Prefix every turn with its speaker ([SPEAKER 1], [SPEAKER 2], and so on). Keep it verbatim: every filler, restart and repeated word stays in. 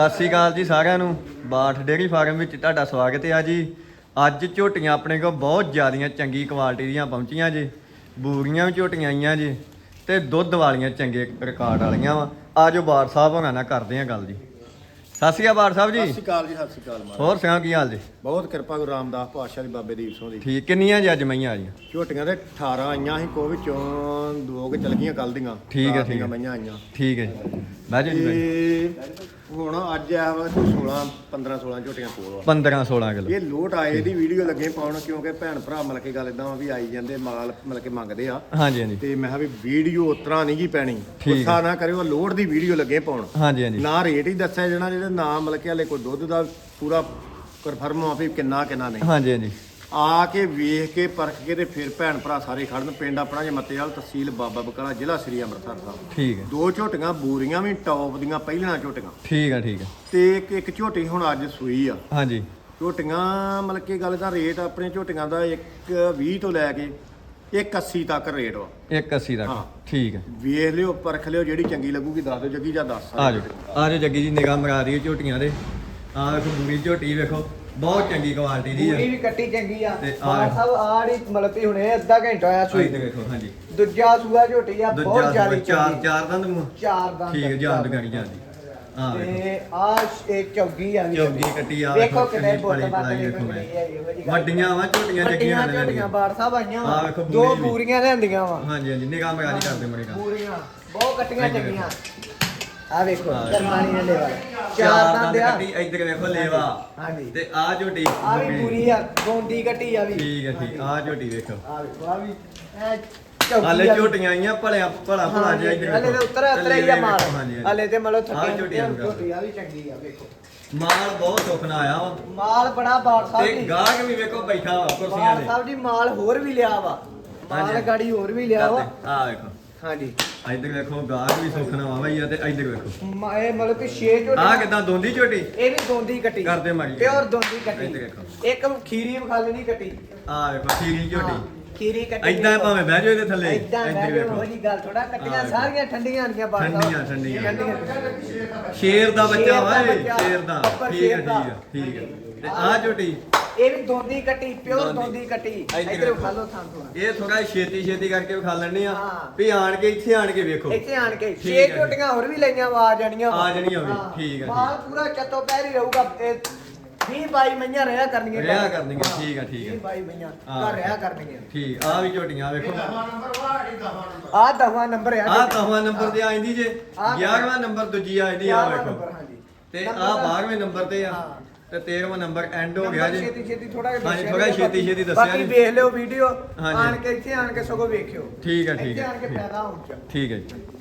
[SPEAKER 1] ਸਤਿ ਸ਼੍ਰੀ ਅਕਾਲ ਜੀ ਸਾਰਿਆਂ ਨੂੰ। ਬਾਠ ਡੇਅਰੀ ਫਾਰਮ ਵਿੱਚ ਤੁਹਾਡਾ ਸਵਾਗਤ ਹੈ ਜੀ। ਅੱਜ ਝੋਟੀਆਂ ਆਪਣੇ ਕੋਲ ਬਹੁਤ ਜ਼ਿਆਦੀਆਂ ਚੰਗੀ ਕੁਆਲਿਟੀ ਦੀਆਂ ਪਹੁੰਚੀਆਂ ਜੀ। ਬੂਰੀਆਂ ਵੀ ਝੋਟੀਆਂ ਆਈਆਂ ਜੀ ਤੇ ਦੁੱਧ ਵਾਲੀਆਂ ਚੰਗੇ ਰਿਕਾਰਡ ਵਾਲੀਆਂ ਵਾ। ਆਜੋ ਬਾਠ ਸਾਹਿਬ ਹੋਣਾ ਨਾਲ ਕਰਦੇ ਆ ਗੱਲ ਜੀ। ਸਤਿ ਸ਼੍ਰੀ ਅਕਾਲ ਬਾਠ ਸਾਹਿਬ ਜੀ।
[SPEAKER 2] ਸਤਿ ਸ਼੍ਰੀ ਅਕਾਲ ਜੀ। ਸਤਿ ਸ਼੍ਰੀ ਅਕਾਲ।
[SPEAKER 1] ਹੋਰ ਸੁਣਾਓ ਕੀ ਹਾਲ ਜੀ?
[SPEAKER 2] ਬਹੁਤ ਕਿਰਪਾ ਗੁਰੂ ਰਾਮਦਾਸ ਪਾਤਸ਼ਾਹ ਦੀ ਬਾਬੇ ਦੀਪ ਸਿੰਘ ਦੀ।
[SPEAKER 1] ਠੀਕ ਕਿੰਨੀਆਂ ਜੀ ਅੱਜ ਮਈਆਂ ਆਈਆਂ?
[SPEAKER 2] ਝੋਟੀਆਂ ਦੇ ਅਠਾਰਾਂ ਆਈਆਂ ਸੀ, ਕੋ ਵਿੱਚੋਂ ਦੋ ਕੁ ਚਲ ਗਈਆਂ ਕੱਲ ਦੀਆਂ।
[SPEAKER 1] ਠੀਕ ਹੈ, ਠੀਕ ਹੈ।
[SPEAKER 2] ਮਈਆਂ ਆਈਆਂ
[SPEAKER 1] ਠੀਕ ਹੈ ਜੀ। ਬਹਿ ਜਾਓ ਜੀ।
[SPEAKER 2] ਤੇ ਹੁਣ ਅੱਜ ਆ ਵਾ ਸੋਲਾਂ ਪੰਦਰਾਂ ਸੋਲਾਂ ਝੋਟੀਆਂ ਕੋਲ ਆ।
[SPEAKER 1] ਪੰਦਰਾਂ ਸੋਲਾਂ ਕਿਲੋ
[SPEAKER 2] ਇਹ ਲੋਟ ਆਏ ਦੀ ਵੀਡੀਓ ਲੱਗੇ ਪਾਉਣ, ਕਿਉਂਕਿ ਭੈਣ ਭਰਾ ਮਤਲਬ ਕਿ ਗੱਲ ਇਦਾਂ ਵੀ ਆਈ ਜਾਂਦੇ ਮਾਲ ਮਤਲਬ ਕਿ ਮੰਗਦੇ ਆ।
[SPEAKER 1] ਹਾਂਜੀ ਹਾਂਜੀ।
[SPEAKER 2] ਤੇ ਮੈਂ ਕਿਹਾ ਵੀ ਵੀਡੀਓ ਉਤਰਾ ਨਹੀਂ ਗੀ ਪੈਣੀ,
[SPEAKER 1] ਠੀਕ।
[SPEAKER 2] ਗੁੱਸਾ ਨਾ ਕਰਿਓ, ਲੋਟ ਦੀ ਵੀਡੀਓ ਲੱਗੇ ਪਾਉਣ।
[SPEAKER 1] ਹਾਂਜੀ ਹਾਂਜੀ।
[SPEAKER 2] ਨਾ ਰੇਟ ਹੀ ਦੱਸਿਆ ਜਾਣਾ, ਜਿਹੜੇ ਨਾ ਮਤਲਬ ਕਿ ਹਲੇ ਕੋਈ ਦੁੱਧ ਦਾ ਪੂਰਾ ਕਨਫਰਮ ਆ ਵੀ ਕਿੰਨਾ ਕਿੰਨਾ ਨਹੀਂ।
[SPEAKER 1] ਹਾਂਜੀ ਹਾਂਜੀ।
[SPEAKER 2] ਆ ਕੇ ਵੇਖ ਕੇ ਪਰਖ ਕੇ ਤੇ ਫਿਰ ਭੈਣ ਭਰਾ ਸਾਰੇ ਖੜਨ। ਪਿੰਡ ਆਪਣਾ ਜੇ ਮੱਤੇਵਾਲ, ਤਹਿਸੀਲ ਬਾਬਾ ਬਕਾਲਾ, ਜ਼ਿਲ੍ਹਾ ਸ੍ਰੀ ਅੰਮ੍ਰਿਤਸਰ ਸਾਹਿਬ।
[SPEAKER 1] ਠੀਕ ਹੈ।
[SPEAKER 2] ਦੋ ਝੋਟੀਆਂ ਬੂਰੀਆਂ ਵੀ ਟੌਪ ਦੀਆਂ ਪਹਿਲੀਆਂ ਝੋਟੀਆਂ।
[SPEAKER 1] ਠੀਕ ਹੈ ਠੀਕ ਹੈ।
[SPEAKER 2] ਤੇ ਇੱਕ ਇੱਕ ਝੋਟੀ ਹੁਣ ਅੱਜ ਸੂਈ ਆ।
[SPEAKER 1] ਹਾਂਜੀ।
[SPEAKER 2] ਝੋਟੀਆਂ ਮਤਲਬ ਕਿ ਗੱਲ ਦਾ ਰੇਟ ਆਪਣੇ ਝੋਟੀਆਂ ਦਾ ਇੱਕ ਵੀਹ ਤੋਂ ਲੈ ਕੇ ਇੱਕ ਅੱਸੀ ਤੱਕ ਰੇਟ ਵਾ।
[SPEAKER 1] ਇੱਕ ਅੱਸੀ ਤੱਕ।
[SPEAKER 2] ਹਾਂ।
[SPEAKER 1] ਠੀਕ ਹੈ।
[SPEAKER 2] ਵੇਖ ਲਿਓ, ਪਰਖ ਲਿਓ, ਜਿਹੜੀ ਚੰਗੀ ਲੱਗੂਗੀ ਦੱਸ ਦਿਓ ਜੱਗੀ ਜਾਂ ਦੱਸ।
[SPEAKER 1] ਆ ਜਾਓ ਆ ਜਾਓ ਜੱਗੀ ਜੀ, ਨਿਗਾਹ ਮਰਾ ਰਹੀ ਝੋਟੀਆਂ ਦੇ। ਆਹ ਵੇਖੋ ਬੂਰੀ ਝੋਟੀ ਵੇਖੋ, ਬਹੁਤ ਚੰਗੀ ਕੁਆਲਿਟੀ ਦੀ
[SPEAKER 3] ਪੂਰੀ
[SPEAKER 1] ਹੈ।
[SPEAKER 3] ਵੀ ਕੱਟੀ ਚੰਗੀ ਆ।
[SPEAKER 1] ਤੇ
[SPEAKER 3] ਮਾਂ
[SPEAKER 1] ਆਹ-
[SPEAKER 3] ਸਾਹਿਬ ਆੜੀ ਮਤਲਬ ਵੀ ਹੁਣੇ ਅੱਧਾ ਘੰਟਾ ਆਇਆ ਸੂਈ
[SPEAKER 1] ਇੱਧਰ ਵੇਖੋ। ਹਾਂਜੀ।
[SPEAKER 3] ਦੂਜਾ ਸੂਆ ਝੋਟੀ ਆ, ਬਹੁਤ
[SPEAKER 1] ਦੂਜਾ
[SPEAKER 3] ਜ਼ਿਆਦਾ
[SPEAKER 1] ਚਾਰ
[SPEAKER 3] ਚੰਗੀ।
[SPEAKER 1] ਚਾਰ ਦੰਦ ਮੂੰਹ।
[SPEAKER 3] ਚਾਰ ਦੰਦ
[SPEAKER 1] ਠੀਕ ਹੈ, ਜਾਨ ਦੁਗਾਣੀ ਜਾਂਦੀ। ਆ ਵੇਖੋ
[SPEAKER 3] ਤੇ ਆ ਇਹ ਚੌਗੀ ਆ ਵੀ
[SPEAKER 1] ਚੌਗੀ ਕੱਟੀ ਆ
[SPEAKER 3] ਵੇਖੋ ਕਿੰਨੇ
[SPEAKER 1] ਕਿੰਨੀ
[SPEAKER 3] ਬੋਲ
[SPEAKER 1] ਪਲੀ
[SPEAKER 3] ਬਾਤ
[SPEAKER 1] ਪਲਾਈ
[SPEAKER 3] ਵੇਖੋ
[SPEAKER 1] ਵੇਖੋ ਮੈਂ।
[SPEAKER 3] ਮੈਂ
[SPEAKER 1] ਵੱਡੀਆਂ ਵਾ ਝੋਟੀਆਂ ਜੱਗੀਆਂ
[SPEAKER 3] ਵੱਡੀਆਂ ਝੋਟੀਆਂ ਬਾੜ ਸਾਹਿਬ ਆਈਆਂ
[SPEAKER 1] ਆਹ
[SPEAKER 3] ਵਾ।
[SPEAKER 1] ਵੇਖੋ
[SPEAKER 3] ਦੋ
[SPEAKER 1] ਬੂਰੀ ਵੀ।
[SPEAKER 3] ਪੂਰੀਆਂ ਲਿਆਂਦੀਆਂ ਵਾ।
[SPEAKER 1] ਹਾਂਜੀ ਹਾਂਜੀ, ਨਿਗਾਹ ਮਰਾ ਜੀ ਕਰਦੇ ਮਰੇ ਕੰਮ।
[SPEAKER 3] ਪੂਰੀਆਂ ਬਹੁਤ ਕੱਟੀਆਂ
[SPEAKER 1] ਇੱਧਰ
[SPEAKER 3] ਚੰਗੀਆਂ। ਆ ਵੇਖੋ
[SPEAKER 1] ਆਹ
[SPEAKER 3] ਕਰਮਾਨੀ ਨੇ ਲੈਵਾ
[SPEAKER 1] ਚਾਰ
[SPEAKER 3] ਚਾਰ
[SPEAKER 1] ਦੰਦ
[SPEAKER 3] ਦੰਦ ਆ।
[SPEAKER 1] ਕੱਟੀ। ਇੱਧਰ ਵੇਖੋ ਲੇਵਾ।
[SPEAKER 3] ਹਾਂਜੀ।
[SPEAKER 1] ਤੇ ਆ ਝੋਟੀ
[SPEAKER 3] ਆ ਵੀ ਪੂਰੀ ਆ, ਗੋਂਦੀ ਕੱਟੀ ਆ ਵੀ।
[SPEAKER 1] ਠੀਕ ਹੈ ਠੀਕ। ਆ ਝੋਟੀ ਵੇਖੋ।
[SPEAKER 3] ਆ ਵੇਖੋ ਆ ਵੀ ਐ ਚੌਗੀ
[SPEAKER 1] ਹਾਲੇ
[SPEAKER 3] ਆ ਵੀ।
[SPEAKER 1] ਝੋਟੀਆਂ ਆਈਆਂ ਭਲਿਆ ਭਲਾ ਭਲਾ ਜਿਹਾ। ਇੱਧਰ
[SPEAKER 3] ਹਲੇ ਤੇ
[SPEAKER 1] ਵੇਖੋ।
[SPEAKER 3] ਉੱਤਰ ਉੱਤਰ ਹੀ ਆ ਮਾਲ।
[SPEAKER 1] ਹਾਂਜੀ ਹਾਂਜੀ।
[SPEAKER 3] ਹਲੇ ਤੇ ਮਤਲਬ
[SPEAKER 1] ਆਹ
[SPEAKER 3] ਥੱਕੇ
[SPEAKER 1] ਝੋਟੀਆਂ ਨੂੰ
[SPEAKER 3] ਝੋਟੀ ਆ ਵੀ ਚੰਗੀ ਆ ਵੇਖੋ।
[SPEAKER 1] ਮਾਲ ਬਹੁਤ ਸੁਖਣਾ ਆਇਆ ਵਾ।
[SPEAKER 3] ਮਾਲ ਬੜਾ ਬਾੜ ਸਾਹਿਬ
[SPEAKER 1] ਤੇ
[SPEAKER 3] ਜੀ।
[SPEAKER 1] ਗਾਹਕ ਵੀ ਵੇਖੋ ਬੈਠਾ ਵਾ ਕੁਰਸੀਆਂ
[SPEAKER 3] ਬਾੜ
[SPEAKER 1] ਤੇ।
[SPEAKER 3] ਸਾਹਿਬ ਜੀ ਮਾਲ ਹੋਰ ਵੀ ਲਿਆ ਵਾ। ਮਾਲ
[SPEAKER 1] ਹਾਂਜੀ।
[SPEAKER 3] ਗਾੜੀ ਹੋਰ ਵੀ ਲਿਆ ਵਾ।
[SPEAKER 1] ਆ ਵੇਖੋ।
[SPEAKER 3] ਹਾਂਜੀ।
[SPEAKER 1] ਇੱਧਰ ਵੇਖੋ ਗਾਹਕ ਵੀ ਸੁਖਣਾ ਵਾ ਬਈ। ਤੇ ਇੱਧਰ ਵੇਖੋ
[SPEAKER 3] ਮ- ਇਹ ਮਤਲਬ ਕਿ ਛੇ ਝੋਟੀ
[SPEAKER 1] ਆ ਕਿਦਾਂ ਦੋਂਦੀ ਝੋਟੀ।
[SPEAKER 3] ਇਹ ਵੀ ਦੋਂਦੀ ਕੱਟੀ
[SPEAKER 1] ਕਰਦੇ ਮਾਰੀ।
[SPEAKER 3] ਪਿਓਰ ਦੋਂਦੀ
[SPEAKER 1] ਇੱਧਰ
[SPEAKER 3] ਕੱਟੀ।
[SPEAKER 1] ਵੇਖੋ।
[SPEAKER 3] ਇੱਕ ਖੀਰੀ ਵਿਖਾਲਣੀ ਕੱਟੀ।
[SPEAKER 1] ਆ ਵੇਖੋ ਖੀਰੀ ਝੋਟੀ।
[SPEAKER 3] ਖੀਰੀ ਕੱਟੀ।
[SPEAKER 1] ਇਦਾਂ ਭਾਵੇਂ ਬਹਿ ਜਾਓ ਇਹਦੇ ਥੱਲੇ।
[SPEAKER 3] ਇਦਾਂ
[SPEAKER 1] ਇੱਧਰ
[SPEAKER 3] ਬਹਿ
[SPEAKER 1] ਵੇਖੋ।
[SPEAKER 3] ਜਾਓ ਜੀ, ਗੱਲ ਥੋੜਾ ਕੱਟੀਆਂ
[SPEAKER 1] ਹਾਂ,
[SPEAKER 3] ਸਾਰੀਆਂ ਠੰਡੀਆਂ ਆਂਦੀਆਂ ਬਾੜ ਸਾਹਿਬ।
[SPEAKER 1] ਠੰਡੀਆਂ ਠੰਡੀਆਂ।
[SPEAKER 3] ਠੰਡੀਆਂ।
[SPEAKER 1] ਸ਼ੇਰ ਦਾ ਬੱਚਾ
[SPEAKER 3] ਸ਼ੇਰ
[SPEAKER 1] ਵਾ
[SPEAKER 3] ਦਾ
[SPEAKER 1] ਇਹ।
[SPEAKER 3] ਬੱਚਾ।
[SPEAKER 1] ਸ਼ੇਰ ਦਾ।
[SPEAKER 3] ਉੱਪਰ
[SPEAKER 1] ਠੀਕ ਹੈ
[SPEAKER 3] ਸ਼ੇਰ ਦਾ।
[SPEAKER 1] ਠੀਕ ਹੈ ਠੀਕ ਹੈ। ਤੇ ਆ ਝੋਟੀ
[SPEAKER 3] ਇਹ ਵੀ ਦੋਂਦੀ ਕੱਟੀ, ਪਿਓਰ
[SPEAKER 1] ਦੋਂਦੀ।
[SPEAKER 3] ਦੋਂਦੀ ਕੱਟੀ।
[SPEAKER 1] ਇੱਧਰ
[SPEAKER 3] ਇੱਧਰ
[SPEAKER 1] ਵੇਖੋ।
[SPEAKER 3] ਵਿਖਾ ਲਓ ਥਾਂ ਥੋੜਾ।
[SPEAKER 1] ਇਹ ਥੋੜਾ ਛੇਤੀ ਛੇਤੀ ਕਰਕੇ ਵਿਖਾ ਲੈਣੇ ਆ
[SPEAKER 3] ਹਾਂ।
[SPEAKER 1] ਵੀ ਆਣ ਕੇ ਇੱਥੇ ਆਣ ਕੇ ਵੇਖੋ।
[SPEAKER 3] ਇੱਥੇ ਆਣ ਕੇ
[SPEAKER 1] ਠੀਕ
[SPEAKER 3] ਛੇ
[SPEAKER 1] ਹੈ।
[SPEAKER 3] ਝੋਟੀਆਂ ਹੋਰ ਵੀ ਲਈਆਂ ਵਾ, ਆ ਜਾਣੀਆਂ ਵਾ।
[SPEAKER 1] ਆ ਜਾਣੀਆਂ ਵੀ।
[SPEAKER 3] ਹਾਂ।
[SPEAKER 1] ਠੀਕ ਹੈ,
[SPEAKER 3] ਮਾਲ ਪੂਰਾ ਚੱਤੋ ਪੈਰ ਹੀ ਰਹੂਗਾ। ਇਹ ਵੀਹ ਬਾਈ ਮਈਆਂ ਰਿਹਾ ਕਰਨੀਆਂ।
[SPEAKER 1] ਰਿਹਾ ਕਰਨੀਆਂ। ਠੀਕ ਹੈ ਠੀਕ ਹੈ।
[SPEAKER 3] ਵੀਹ ਬਾਈ ਮਈਆਂ
[SPEAKER 1] ਹਾਂ।
[SPEAKER 3] ਘਰ ਰਿਹਾ ਕਰਨੀਆਂ।
[SPEAKER 1] ਠੀਕ। ਆ ਵੀ ਝੋਟੀਆਂ ਵੇਖੋ।
[SPEAKER 3] ਆਹ ਦਸਵਾਂ ਨੰਬਰ ਆ।
[SPEAKER 1] ਆ ਦਸਵਾਂ ਨੰਬਰ ਤੇ ਆਂਦੀ ਜੇ।
[SPEAKER 3] ਆਹ
[SPEAKER 1] ਗਿਆਰਵਾਂ ਨੰਬਰ ਦੂਜੀ ਆਂਦੀ ਆ
[SPEAKER 3] ਗਿਆਰਵਾਂ
[SPEAKER 1] ਵੇਖੋ।
[SPEAKER 3] ਨੰਬਰ, ਹਾਂਜੀ।
[SPEAKER 1] ਤੇ
[SPEAKER 3] ਨੰਬਰ
[SPEAKER 1] ਆ
[SPEAKER 3] ਦਾ-
[SPEAKER 1] ਬਾਰਵੇਂ ਨੰਬਰ ਤੇ ਆ।
[SPEAKER 3] ਹਾਂ।
[SPEAKER 1] ਤੇ ਤੇਰਵਾਂ ਨੰਬਰ ਐਂਡ ਹੋ ਗਿਆ
[SPEAKER 3] ਨੰਬਰ
[SPEAKER 1] ਜੀ।
[SPEAKER 3] ਛੇਤੀ ਛੇਤੀ ਥੋੜਾ ਜਿਹਾ
[SPEAKER 1] ਹਾਂਜੀ,
[SPEAKER 3] ਦੱਸਿਆ
[SPEAKER 1] ਥੋੜ੍ਹਾ
[SPEAKER 3] ਜੀ।
[SPEAKER 1] ਛੇਤੀ ਛੇਤੀ ਦੱਸਿਆ
[SPEAKER 3] ਬਾਕੀ
[SPEAKER 1] ਜੀ।
[SPEAKER 3] ਵੇਖ ਲਿਓ ਵੀਡੀਓ।
[SPEAKER 1] ਹਾਂਜੀ।
[SPEAKER 3] ਆਣ ਕੇ ਇੱਥੇ ਆਣ ਕੇ ਸਗੋਂ ਵੇਖਿਓ।
[SPEAKER 1] ਠੀਕ ਹੈ ਠੀਕ
[SPEAKER 3] ਇੱਥੇ
[SPEAKER 1] ਹੈ
[SPEAKER 3] ਆਣ ਕੇ
[SPEAKER 1] ਠੀਕ ਹੈ।
[SPEAKER 3] ਫਾਇਦਾ ਹੋਊਗਾ।
[SPEAKER 1] ਠੀਕ ਹੈ ਜੀ।